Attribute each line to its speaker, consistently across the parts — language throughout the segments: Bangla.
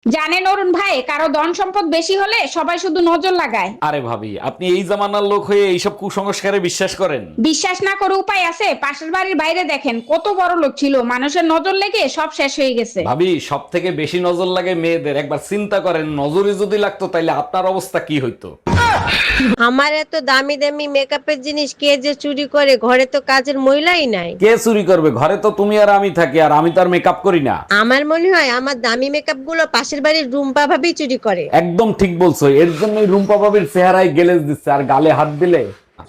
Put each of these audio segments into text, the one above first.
Speaker 1: জানেন অরুণ ভাই, কারো ধন সম্পদ বেশি হলে সবাই শুধু নজর লাগায়।
Speaker 2: আরে ভাবি, আপনি এই জামানার লোক হয়ে এইসব কুসংস্কারে বিশ্বাস করেন?
Speaker 1: বিশ্বাস না করে উপায় আছে? পাশের বাড়ির বাইরে দেখেন, কত বড় লোক ছিল, মানুষের নজর লেগে সব শেষ হয়ে গেছে।
Speaker 2: ভাবি, সব থেকে বেশি নজর লাগে মেয়েদের। একবার চিন্তা করেন, নজরে যদি লাগতো তাইলে আপনার অবস্থা কি হইতো?
Speaker 3: আমার এত দামি দামি মেকআপের জিনিস কে যে চুরি করে, ঘরে তো কাজের মহিলাই নাই।
Speaker 2: কে চুরি করবে? ঘরে তো তুমি আর আমি থাকি, আর আমি তো আর মেকআপ করি না।
Speaker 3: আমার মনে হয় আমার দামি মেকআপ গুলো পাশের বাড়ির রুম্পা ভাবি চুরি করে।
Speaker 2: একদম ঠিক বলছো, এর জন্যই রুম্পা ভাবির চেহারায় গেলেজ দিচ্ছে, আর গালে হাত দিলে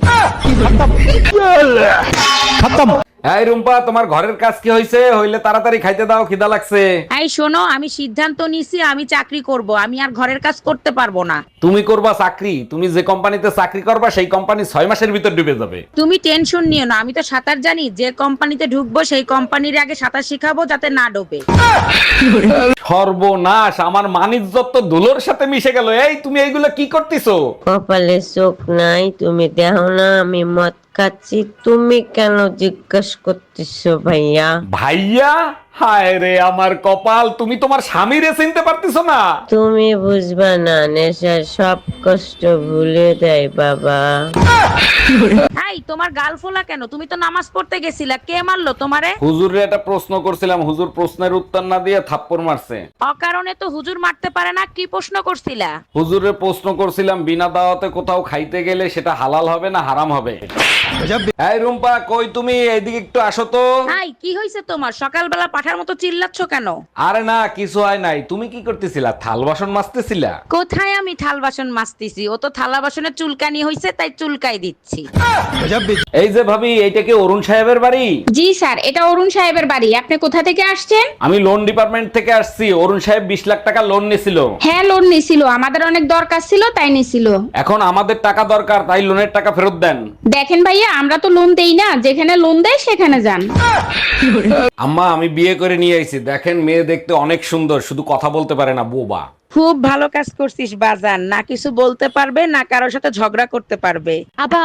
Speaker 2: এই রুম্পা, তোমার ঘরের কাজ কি হইছে? হইলে তাড়াতাড়ি খাইতে দাও, খিদা লাগছে।
Speaker 4: এই শোনো, আমি সিদ্ধান্ত নিছি আমি চাকরি করব, আমি আর ঘরের কাজ করতে পারবো না।
Speaker 2: তুমি করবা চাকরি? তুমি যে কোম্পানিতে চাকরি করবা সেই কোম্পানি 6 মাসের ভিতর ডুবে যাবে।
Speaker 4: তুমি টেনশন নিও না, আমি তো সাঁতার জানি। যে কোম্পানিতে ঢুকবো সেই কোম্পানির আগে সাঁতার শিখাবো যাতে না ডোবে।
Speaker 2: সর্বনাশ, আমার মানিজ্জত তো ধুলোর সাথে মিশে গেল। এই তুমি এইগুলো কি করতেছো?
Speaker 3: কপালে চোখ নাই, তুমি দেখো না আমি মদ খাচ্ছি, তুমি কেন জিজ্ঞেস করতেছো ভাইয়া?
Speaker 2: ভাইয়া? হায় রে আমার কপাল, তুমি তোমার স্বামীরে চিনতে পারতেছো না?
Speaker 3: তুমি বুঝবা না, নেশা সব কষ্ট ভুলে দেয় বাবা।
Speaker 4: এই তোমার গাল ফোলা কেন? তুমি তো নামাজ পড়তে গেছিলা, কে মারলো তোমারে?
Speaker 2: হুজুরে একটা প্রশ্ন করছিলাম, হুজুর প্রশ্নের উত্তর না দিয়ে থাপ্পড় মারছে।
Speaker 4: অকারণে তো হুজুর মারতে পারে না। কি প্রশ্ন করছিলা?
Speaker 2: হুজুরে প্রশ্ন করছিলাম, বিনা দাওয়াতে কোথাও খাইতে গেলে সেটা হালাল হবে না হারাম হবে। এই রুম্পা, কই তুমি? এইদিকে একটু আসো তো।
Speaker 4: এই কি হইছে তোমার? সকালবেলা পাঠার মতো চিল্লাচ্ছ কেন?
Speaker 2: আরে না, কিছু হয় নাই। তুমি কি করতেছিলা? থাল বাসন মাজতেছিলা?
Speaker 4: কোথায় আমি থাল বাসন মাজতেছি? ও তো থালা বাসনের চুলকানি হইছে তাই চুলকাই দিচ্ছি।
Speaker 2: এই যে ভাবি, এইটা কি অরুণ সাহেবের বাড়ি?
Speaker 1: জি স্যার, এটা অরুণ সাহেবের বাড়ি। আপনি কোথা থেকে আসছেন?
Speaker 2: আমি লোন ডিপার্টমেন্ট থেকে আসছি। অরুণ সাহেব 20 লাখ টাকা লোন নিছিল।
Speaker 1: হ্যাঁ, লোন নিছিল, আমাদের অনেক দরকার ছিল তাই নিছিল।
Speaker 2: এখন আমাদের টাকা দরকার, তাই লোনের টাকা ফেরত দেন।
Speaker 1: দেখেন ভাইয়া, আমরা তো লোন দেই না, যেখানে লোন দেয় সেখানে যান।
Speaker 2: আম্মা, আমি বিয়ে করে নিয়ে আইছি। দেখেন, মেয়ে দেখতে অনেক সুন্দর, শুধু কথা বলতে পারে না, বোবা।
Speaker 4: খুব ভালো কাজ করছিস বাজান, না কিছু বলতে পারবে না কারোর সাথে ঝগড়া করতে পারবে।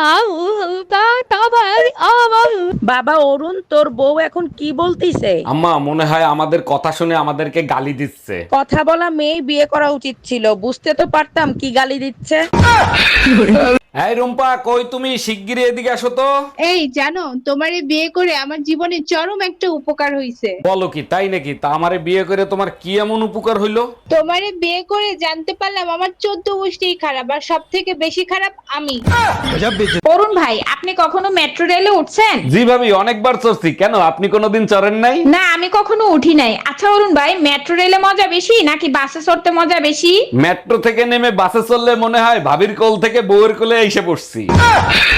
Speaker 4: বাবা অরুণ, তোর বউ এখন কি বলতিছে?
Speaker 2: আম্মা, মনে হয় আমাদের কথা শুনে আমাদেরকে গালি দিচ্ছে।
Speaker 4: কথা বলা মেয়ে বিয়ে করা উচিত ছিল, বুঝতে তো পারতাম কি গালি দিচ্ছে।
Speaker 2: এই রুম্পা, কই তুমি? শিগগিরই এদিকে আসো তো।
Speaker 5: এই জানো, তোমারে বিয়ে করে আমার জীবনে চরম একটা উপকার হইছে।
Speaker 2: বলো কি, তাই নাকি? তা আমারে বিয়ে করে তোমার কি এমন উপকার হইলো?
Speaker 5: তোমারে বিয়ে করে জানতে পারলাম আমার 14 গোষ্ঠী খারাপ, আর সব থেকে বেশি খারাপ আমি।
Speaker 1: অরুণ ভাই, আপনি কখনো মেট্রো রেলে উঠছেন?
Speaker 2: জি ভাবি, অনেকবার চড়ছি। কেন, আপনি কোনোদিন চড়েন নাই?
Speaker 1: না, আমি কখনো উঠি নাই। আচ্ছা অরুণ ভাই, মেট্রো রেলে মজা বেশি নাকি বাসে চড়তে মজা বেশি?
Speaker 2: মেট্রো থেকে নেমে বাসে চললে মনে হয় ভাবির কোল থেকে বউয়ের কোলে এসে পড়ছি।